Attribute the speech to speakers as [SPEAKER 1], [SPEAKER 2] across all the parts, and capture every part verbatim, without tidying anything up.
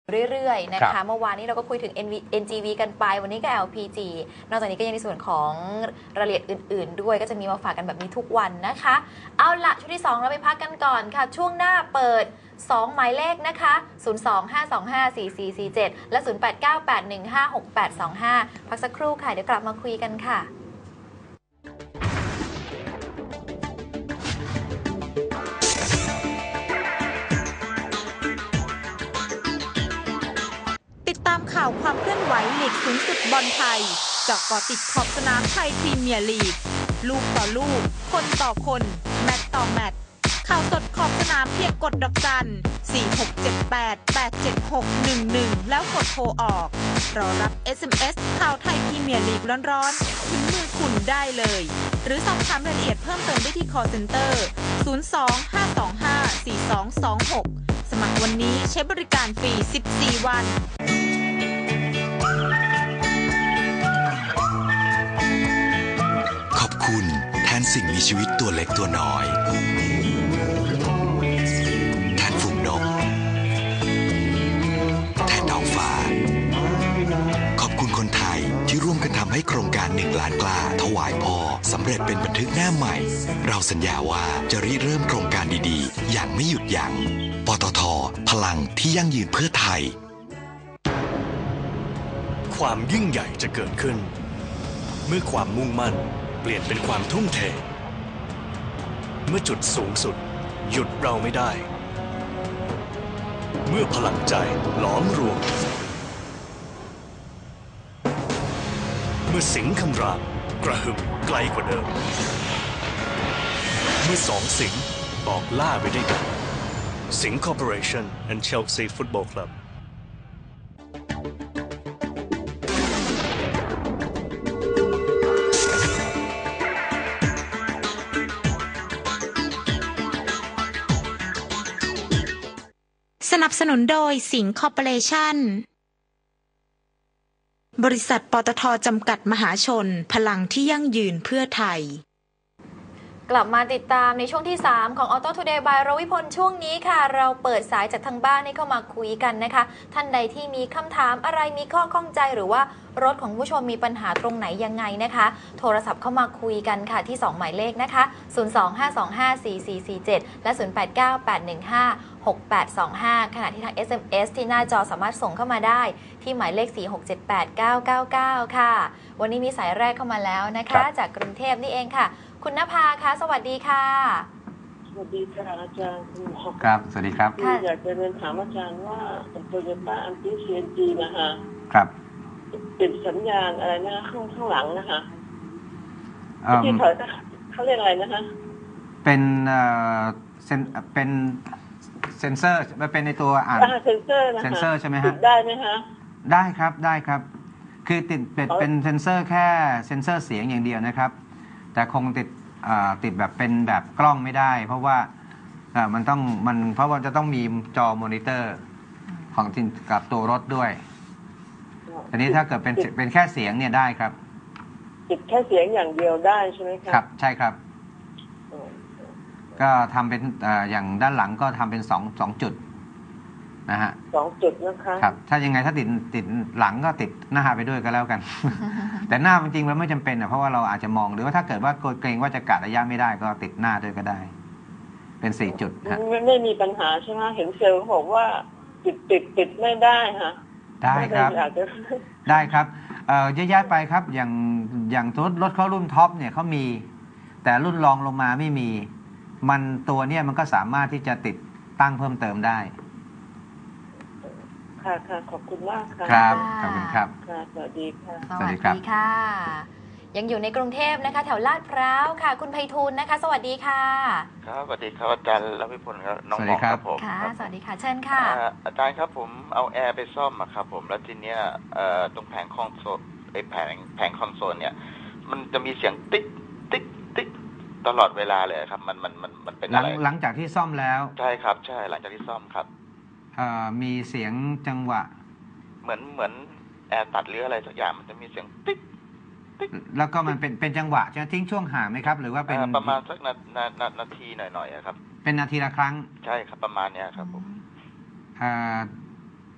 [SPEAKER 1] เรื่อยๆนะคะเมื่อวานนี้เราก็คุยถึง เอ็น จี วี กันไปวันนี้ก็ แอล พี จี นอกจากนี้ก็ยังในส่วนของรายละเอียดอื่นๆด้วยก็จะมีมาฝากกันแบบนี้ทุกวันนะคะเอาละช่วงที่สองเราไปพักกันก่อนค่ะช่วงหน้าเปิดสองหมายเลขนะคะศูนย์ สอง ห้า สอง ห้า สี่ สี่ สี่ เจ็ดและศูนย์ แปด เก้า แปด หนึ่ง ห้า หก แปด สอง ห้าพักสักครู่ค่ะเดี๋ยวกลับมาคุยกันค่ะ
[SPEAKER 2] ติดตามข่าวความเคลื่อนไหวลีกสูงสุดบอลไทยเจาะก่อติดขอบสนามไทยพรีเมียร์ลีกลูกต่อลูกคนต่อคนแมตช์ต่อแมตช์ข่าวสดขอบสนามเพียงกดดอกจัน สี่ หก เจ็ด แปด แปด เจ็ด หก หนึ่ง หนึ่ง แล้วกดโทรออกรอรับ เอส เอ็ม เอส ข่าวไทยพรีเมียร์ลีกร้อนๆถึงมือคุณได้เลยหรือสอบถามรายละเอียดเพิ่มเติมได้ที่ call center ศูนย์ สอง ห้า สอง ห้า สี่ สอง สอง หกสมัครวันนี้ใช้บริการฟรีสิบสี่วัน
[SPEAKER 3] ขอบคุณแทนสิ่งมีชีวิตตัวเล็กตัวน้อยแทนฝูงนกแทนท้องฟ้าขอบคุณคนไทยที่ร่วมกันทำให้โครงการหนึ่งล้านกล้าถวายพ่อสำเร็จเป็นบันทึกหน้าใหม่เราสัญญาว่าจะริเริ่มโครงการดีๆอย่างไม่หยุดยั้งปตท.พลังที่ยั่งยืนเพื่อไทย
[SPEAKER 4] ความยิ่งใหญ่จะเกิดขึ้นเมื่อความมุ่งมั่นเปลี่ยนเป็นความทุ่มเทเมื่อจุดสูงสุดหยุดเราไม่ได้เมื่อพลังใจหลอมรวมเมื่อสิงห์คำรามกระหึ่มไกลกว่าเดิมเมื่อสองสิงห์ออกล่าไปด้วยกันสิงห์คอร์ปอเรชั่น and Chelsea Football Club
[SPEAKER 2] สนับสนุนโดยสิงห์คอร์ปอเรชั่นบริษัทปตท.จำกัดมหาชนพลังที่ยั่งยืนเพื่อไทย
[SPEAKER 1] กลับมาติดตามในช่วงที่สามของ Auto Today by รวิพลช่วงนี้ค่ะเราเปิดสายจากทางบ้านให้เข้ามาคุยกันนะคะท่านใดที่มีคำถามอะไรมีข้อข้องใจหรือว่ารถของผู้ชมมีปัญหาตรงไหนยังไงนะคะโทรศัพท์เข้ามาคุยกันค่ะที่สองหมายเลขนะคะศูนย์ สอง ห้า สอง ห้า สี่ สี่ สี่ เจ็ดและศูนย์ แปด เก้า แปด หนึ่ง ห้า หก แปด สอง ห้าขณะที่ทาง เอส เอ็ม เอส ที่หน้าจอสามารถส่งเข้ามาได้ที่หมายเลขสี่ หก เจ็ด แปด เก้า เก้า เก้าค่ะวันนี้มีสายแรกเข้ามาแล้วนะคะจากกรุงเทพนี่เองค่ะคุณณภาคะสวัสดีค่ะ
[SPEAKER 5] สวัสดีค่ะอาจารย์
[SPEAKER 6] ครับสวัสดีครับ
[SPEAKER 5] อยากจะเรียนถามอาจารย์ว่าโตโยต้าอันติเซียนจีนะคะ
[SPEAKER 6] ครับ
[SPEAKER 5] ติดสัญญาณอะไรนะข้างข้างหลังนะคะที่ถอยเขาเรียกอะไรนะคะ
[SPEAKER 6] เป็นเอ่อเซนเป็นเซนเซอร์มันเป็นในตัวอ่าน
[SPEAKER 5] เซนเซอร์นะคะ
[SPEAKER 6] เซนเซอร์ใช่ไหมฮะ
[SPEAKER 5] ได้ไหมคะ
[SPEAKER 6] ได้ครับได้ครับคือติดเป็นเซนเซอร์แค่เซนเซอร์เสียงอย่างเดียวนะครับแต่คงติดติดแบบเป็นแบบกล้องไม่ได้เพราะว่ามันต้องมันเพราะว่าจะต้องมีจอมอนิเตอร์ของกับตัวรถด้วยอันนี้ถ้าเกิดเป็นเป็นแค่เสียงเนี่ยได้ครับ
[SPEAKER 5] ติดแค่เสียงอย่างเดียวได้ใช่ไหมครับ
[SPEAKER 6] ครับใช่ครับก็ทำเป็นอย่างด้านหลังก็ทำเป็นสองสองจุดนะฮะ
[SPEAKER 5] สองจุดนะคะ
[SPEAKER 6] ครับถ้ายังไงถ้าติดติดหลังก็ติดหน้าไปด้วยก็แล้วกัน แต่หน้าจริงๆมันไม่จำเป็นอ่ะเพราะว่าเราอาจจะมองหรือว่าถ้าเกิดว่าเกรงว่าจะกะระยะไม่ได้ก็ติดหน้าด้วยก็ได้เป็นสี่จุดฮะ
[SPEAKER 5] ไม่ไม่มีปัญหาใช่ไหมเห็นเซลล์บอกว่าติดติดติดไม่ได้ฮะ
[SPEAKER 6] ได้ครับได้ครับเอ่อเยอะแยะไปครับอย่างอย่างรถรถเขารุ่นท็อปเนี่ยเขามีแต่รุ่นรองลงมาไม่มีมันตัวเนี่ยมันก็สามารถที่จะติดตั้งเพิ่มเติมได้
[SPEAKER 5] ค่ะค่ะขอบคุณมากค่ะ
[SPEAKER 6] ครับขอบคุณครับ
[SPEAKER 5] ค่ะสวัสดีค่ะ
[SPEAKER 1] สวัสดีค่ะยังอยู่ในกรุงเทพนะคะแถวลาดพร้าวค่ะคุณไพฑูรย์นะคะสวัสดีค่ะ
[SPEAKER 7] ครับสวัสดีครับอาจารย์รวิพลครับน้องหมอครับผม
[SPEAKER 1] ค่ะสวัสดีค่ะเชิญค่ะ
[SPEAKER 7] อาจารย์ครับผมเอาแอร์ไปซ่อมอะครับผมแล้วทีเนี้ยตรงแผงคอนโซลไอ้แผงแผงคอนโซลเนี่ยมันจะมีเสียงติ๊กติ๊กติ๊กตลอดเวลาเลยครับมันมันมันมันเป็นอะไร
[SPEAKER 6] หลังจากที่ซ่อมแล้ว
[SPEAKER 7] ใช่ครับใช่หลังจากที่ซ่อมครับ
[SPEAKER 6] มีเสียงจังหวะ
[SPEAKER 7] เหมือนเหมือนแอร์ตัดหรืออะไรสักอย่างมันจะมีเสียงติ๊กติ๊ก
[SPEAKER 6] แล้วก็มันเป็นเป็นจังหวะจะทิ้งช่วงห่างไหมครับหรือว่าเป็น
[SPEAKER 7] ประมาณสักนานานาทีหน่อยๆครับ
[SPEAKER 6] เป็นนาทีละครั้ง
[SPEAKER 7] ใช่ครับประมาณเนี้ยครับผม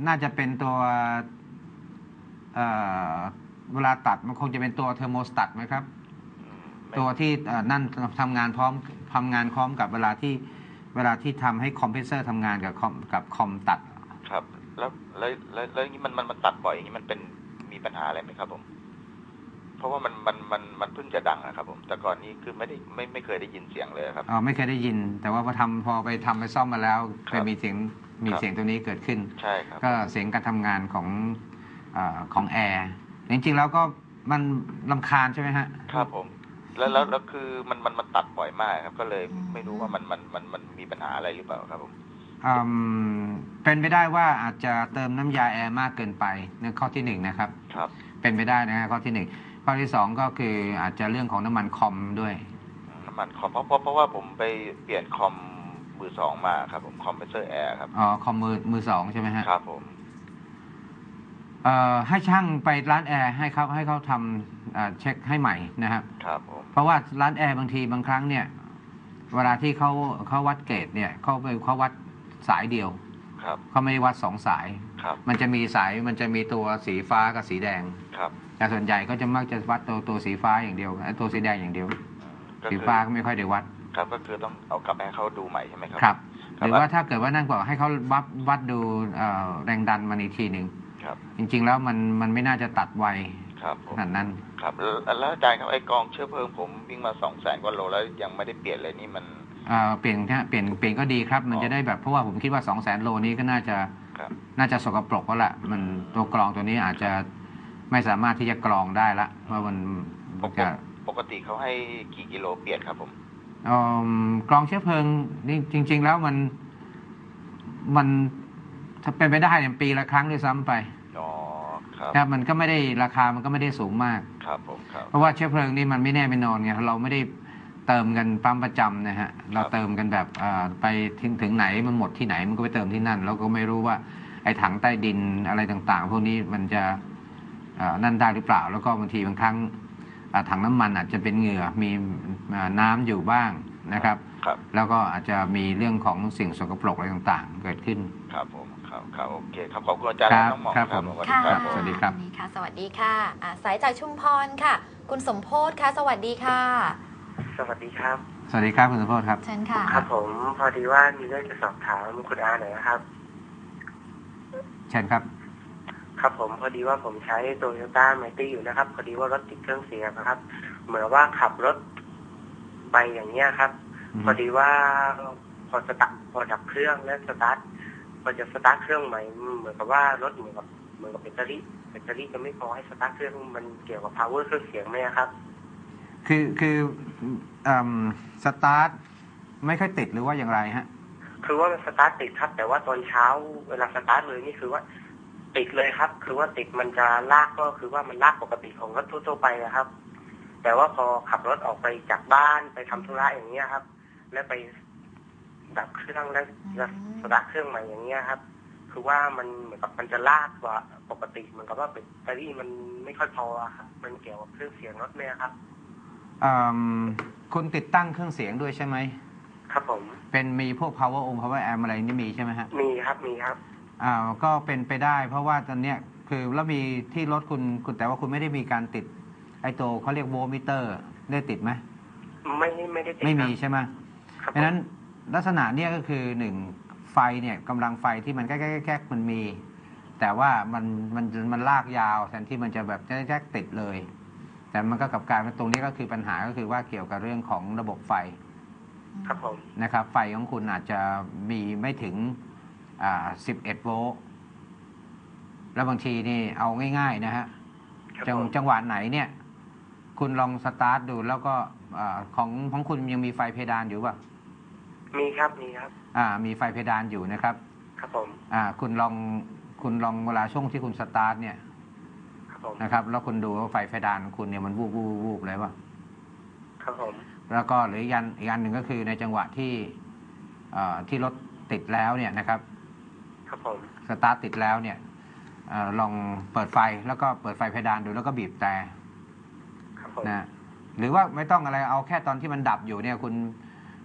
[SPEAKER 6] น่าจะเป็นตัวเอ่อเวลาตัดมันคงจะเป็นตัวเทอร์โมสตัตไหมครับ
[SPEAKER 7] อืมไม่
[SPEAKER 6] ตัวที่เอ่อนั่นทำงานพร้อมทำงานพร้อมกับเวลาที่เวลาที่ทำให้คอมเพรสเซอร์ทำงานกับคอมกับคอมตัด
[SPEAKER 7] ครับแล้วแล้วแล้วแล้วอย่างนี้มันมันมันตัดบ่อยอย่างนี้มันเป็นมีปัญหาอะไรไหมครับผมเพราะว่ามันมันมันมันเพิ่งจะดังนะครับผมแต่ก่อนนี้คือไม่ได้ไม่ไม่เคยได้ยินเสียงเลยครับ
[SPEAKER 6] อ๋อไม่เคยได้ยิน แต่ว่าพอทำพอไปทำไปซ่อมมาแล้ว
[SPEAKER 7] ครับ
[SPEAKER 6] ไปมีเสียงมี
[SPEAKER 7] ครับ
[SPEAKER 6] เสียงตัวนี้เกิดขึ้น
[SPEAKER 7] ใช่ครับ
[SPEAKER 6] ก็เสียงการทำงานของเอ่อของแอร์จริงๆแล้วก็มันรำคาญใช่ไหมฮะ
[SPEAKER 7] ครับผมแล้วแล้วแล้วคือมันมันมันตัดบ่อยมากครับ ก็เลย
[SPEAKER 1] อืม
[SPEAKER 7] ไม่รู้ว่ามันมันมันมันมีปัญหาอะไรหรือเปล่าครับผม
[SPEAKER 6] อืมเป็นไปได้ว่าอาจจะเติมน้ำยาแอร์มากเกินไปนั่นข้อที่หนึ่งนะครับ
[SPEAKER 7] ครับ
[SPEAKER 6] เป็นไปได้นะฮะข้อที่หนึ่งข้อที่สองก็คืออาจจะเรื่องของน้ำมันคอมด้วย
[SPEAKER 7] น้ำมันคอมเพราะเพราะเพราะว่าผมไปเปลี่ยนคอมมือสองมาครับผมคอมเพรสเซอร์แอร์ครับ
[SPEAKER 6] อ๋อคอมมือมือสองใช่ไหมฮะ
[SPEAKER 7] ครับผม
[SPEAKER 6] เอ่อให้ช่างไปร้านแอร์ให้เขาให้เขาทำเอ่อเช็คให้ใหม่นะครับ
[SPEAKER 7] ครับผม
[SPEAKER 6] เพราะว่าร้านแอร์บางทีบางครั้งเนี่ยเวลาที่เขาเขาวัดเกรดเนี่ยเขาไปเขาวัดสายเดียว
[SPEAKER 7] ครับ
[SPEAKER 6] เขาไม่ได้วัดสองสาย
[SPEAKER 7] ครับ
[SPEAKER 6] มันจะมีสายมันจะมีตัวสีฟ้ากับสีแดง
[SPEAKER 7] ครับ
[SPEAKER 6] แต่ส่วนใหญ่ก็จะมักจะวัดตัวตัวสีฟ้าอย่างเดียวไอ้ตัวสีแดงอย่างเดียว
[SPEAKER 7] ก็
[SPEAKER 6] สี
[SPEAKER 7] คือ
[SPEAKER 6] ฟ้าก็ไม่ค่อยได้วัด
[SPEAKER 7] ครับก็คือต้องเอากลับไปให้เขาดูใหม่ใช่ไหมครับ
[SPEAKER 6] ครับ
[SPEAKER 7] ค
[SPEAKER 6] ห
[SPEAKER 7] รับ
[SPEAKER 6] รือว่าถ้าเกิดว่านั่นบอกให้เขาวัดวัดดูเอ่อแรงดันมันอีกทีหนึ่ง
[SPEAKER 7] ครับ
[SPEAKER 6] จริงๆแล้วมันมันไม่น่าจะตัดไว
[SPEAKER 7] ครับผ
[SPEAKER 6] ข
[SPEAKER 7] ม
[SPEAKER 6] นาดนั้น
[SPEAKER 7] ครับแล้วแล้วอาจารย์ครับไอ้กองเชื้อเพลิงผมวิ่งมาสองแสนกว่าโลแล้วยังไม่ได้เปลี่ยนเลยนี่มัน
[SPEAKER 6] เอ่อเปลี่ยนนะเปลี่ยนเปลี่ยนก็ดีครับ มัน
[SPEAKER 7] อ๋อ
[SPEAKER 6] จะได้แบบเพราะว่าผมคิดว่า สองแสน โลนี้ก็น่าจะ
[SPEAKER 7] ครับ
[SPEAKER 6] น่าจะสกปรกแล้วล่ะมันตัวกรองตัวนี้อาจจะไม่สามารถที่จะกรองได้ละเพราะมัน
[SPEAKER 7] ป
[SPEAKER 6] มัน
[SPEAKER 7] ก
[SPEAKER 6] จะ
[SPEAKER 7] ติปกติเขาให้กี่กิโลเปลี่ยนครับผม
[SPEAKER 6] เอิ่มกรองเชื้อเพลิงนี่จริง ๆ แล้วมันมันถ้าเป็นไปได้เนี่ยปีละครั้งด้วยซ้ำไป
[SPEAKER 7] อ๋อครับ
[SPEAKER 6] ครับมันก็ไม่ได้ราคามันก็ไม่ได้สูงมาก
[SPEAKER 7] ครับผมครับ
[SPEAKER 6] เพราะว่าเชื้อเพลิงนี่มันไม่แน่ไม่นอนไงเราไม่ได้เติมกันปั๊มประจำนะฮะเราเติมกันแบบเอ่อไปถึงถึงไหนมันหมดที่ไหนมันก็ไปเติมที่นั่นเราก็ไม่รู้ว่าไอ้ถังใต้ดินอะไรต่างๆ พวกนี้มันจะเอ่อนั่นได้หรือเปล่า แล้วก็บางทีบางครั้งเอ่อถังน้ำมันอาจจะเป็นเหงื่อมีเอ่อน้ำอยู่บ้างนะครับ
[SPEAKER 7] ครับ
[SPEAKER 6] แล้วก็อาจจะมีเรื่องของสิ่งสกปรกอะไรต่างๆ เกิดขึ้น
[SPEAKER 7] ครับผมครับครับโอเคครับขอบคุณอาจารย์
[SPEAKER 6] ครับ
[SPEAKER 7] น้องหมอ
[SPEAKER 6] ครับผม
[SPEAKER 7] สวัสดี
[SPEAKER 1] ค่ะ
[SPEAKER 7] ครับผม
[SPEAKER 6] สวัสดีครับ
[SPEAKER 1] นี่ค่ะ สวัสดีค่ะอ่าสายจากชุมพรค่ะ คุณสมโพธค่ะ สวัสดีค่ะ
[SPEAKER 8] สวัสดีครับ
[SPEAKER 6] สวัสดีครับคุณสุพจน์ครับ
[SPEAKER 1] เชิญค่ะ
[SPEAKER 8] ครับผมพอดีว่ามีเรื่องจะสอบถามคุณอาหน่อยนะครับ
[SPEAKER 6] เชิญครับ
[SPEAKER 8] ครับผมพอดีว่าผมใช้โตโยต้าไมตี้อยู่นะครับ พอดีว่ารถติดเครื่องเสียงนะครับ เหมือนว่าขับรถไปอย่างเงี้ยครับ
[SPEAKER 6] อืม
[SPEAKER 8] พอดีว่าพอสตาร์ทพอดับเครื่องแล้วสตาร์ทพอจะสตาร์ทเครื่องใหม่เหมือนกับว่ารถเหมือนกับเหมือนกับแบตเตอรี่แบตเตอรี่จะไม่พอให้สตาร์ทเครื่องมันเกี่ยวกับ power เครื่องเสียงไหมครับ
[SPEAKER 6] คือคืออืมสตาร์ทไม่ค่อยติดหรือว่าอย่างไรฮะ
[SPEAKER 8] คือว่ามันสตาร์ทติดครับ แต่ว่าตอนเช้าเวลาสตาร์ทเลยนี่คือว่าติดเลยครับ คือว่าติดมันจะลากก็คือว่ามันลากปกติของรถทั่วๆไปนะครับ แต่ว่าพอขับรถออกไปจากบ้านไปทำธุระอย่างเงี้ยครับ แล้วไปดับเครื่องแล้วแล้วสตาร์ทเครื่องใหม่อย่างเงี้ยครับ คือว่ามันเหมือนกับมันจะลากกว่าปกติเหมือนกับว่าแบตเตอรี่มันไม่ค่อยพอครับ มันเกี่ยวกับเครื่องเสียงรถไหมครับ
[SPEAKER 6] อืมคุณติดตั้งเครื่องเสียงด้วยใช่ไหม
[SPEAKER 8] ครับผม
[SPEAKER 6] เป็นมีพวก power on power amp อะไรนี่มีใช่ไหมฮะ
[SPEAKER 8] มีครับมีครับ
[SPEAKER 6] อ่าก็เป็นไปได้ เพราะว่าตอนเนี้ยคือแล้วมีที่รถคุณคุณแต่ว่าคุณไม่ได้มีการติดไอ้ตัวเขาเรียกโวลต์มิเตอร์ได้ติดไหม
[SPEAKER 8] ไม่ไม่ได้ติด
[SPEAKER 6] ไม่มี
[SPEAKER 8] ครับ
[SPEAKER 6] ใช่ไหม
[SPEAKER 8] ครับ
[SPEAKER 6] ดังนั้นลักษณะเนี้ยก็คือหนึ่งไฟเนี่ยกำลังไฟที่มันแก๊กๆๆมันมี แต่ว่ามันมันมันลากยาวแทนที่มันจะแบบแก๊กๆติดเลย แต่มันก็กลับกลายเป็นตรงนี้ก็คือปัญหาก็คือว่าเกี่ยวกับเรื่องของระบบไฟ
[SPEAKER 8] ครับผม
[SPEAKER 6] นะครับไฟของคุณอาจจะมีไม่ถึงอ่าสิบเอ็ดโวลต์แล้วบางทีนี่เอาง่ายๆนะฮะ
[SPEAKER 8] ครับ
[SPEAKER 6] จัง
[SPEAKER 8] ผม
[SPEAKER 6] จังหวะไหนเนี่ย คุณลองสตาร์ทดูแล้วก็อ่าของของคุณยังมีไฟเพดานอยู่ป่ะ
[SPEAKER 8] มีครับมีครับ
[SPEAKER 6] อ่ามีไฟเพดานอยู่นะครับ
[SPEAKER 8] ครับผม
[SPEAKER 6] อ่าคุณลองคุณลองเวลาช่วงที่คุณสตาร์ทเนี่ย
[SPEAKER 8] ครับผม
[SPEAKER 6] นะครับแล้วคุณดูว่าไฟเพดานของคุณเนี่ยมันวูบวูบวูบเลยป่ะ
[SPEAKER 8] ครับผม
[SPEAKER 6] แล้วก็หรืออีกอันอีกอันหนึ่งก็คือในจังหวะที่เอ่อที่รถติดแล้วเนี่ยนะครับ
[SPEAKER 8] ครับผม
[SPEAKER 6] สตาร์ทติดแล้วเนี่ยเออลองเปิดไฟแล้วก็เปิดไฟเพดานดูแล้วก็บีบแต่
[SPEAKER 8] ครับผม
[SPEAKER 6] นะหรือว่าไม่ต้องอะไรเอาแค่ตอนที่มันดับอยู่เนี่ยคุณ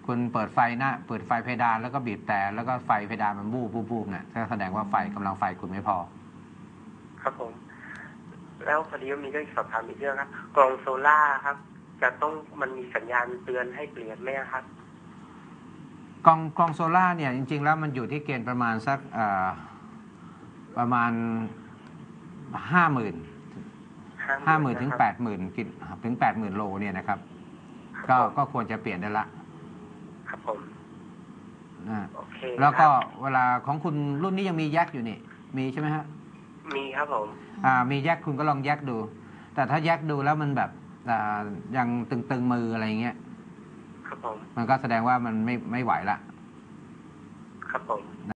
[SPEAKER 6] คุณเปิดไฟหน้าเปิดไฟเพดานแล้วก็บีบแต่แล้วก็ไฟเพดานมันบูบบูบบูบเนี่ยก็แสดงว่าไฟกำลังไฟคุณไม่พอ
[SPEAKER 8] ครับผมแล้วพอดีมีเรื่องสอบถามอีกเรื่องครับกล่องโซล่าครับ จะต้องมันมีสัญญาณเตือนให้เปลี่ยนไหมครับ
[SPEAKER 6] กล่องกล่องโซล่าเนี่ยจริงๆแล้วมันอยู่ที่เกณฑ์ประมาณสักประมาณห้าหมื่นห้าหมื่นถึงแปดหมื่นกิถึงแปดหมื่นโลเนี่ยนะครับก็ก็ควรจะเปลี่ยนได้ละ
[SPEAKER 8] ครับผมโอเค
[SPEAKER 6] แล้วก็เวลาของคุณรุ่นนี้ยังมีแยกอยู่นี่มีใช่ไหมฮะ
[SPEAKER 8] มีครับผม
[SPEAKER 6] อ่ามีแยกคุณก็ลองแยกดูแต่ถ้าแยกดูแล้วมันแบบอ่ายังตึงๆมืออะไรเงี้ย
[SPEAKER 8] ครับผม
[SPEAKER 6] มันก็แสดงว่ามันไม่ไม่ไหวละ
[SPEAKER 8] ครับผม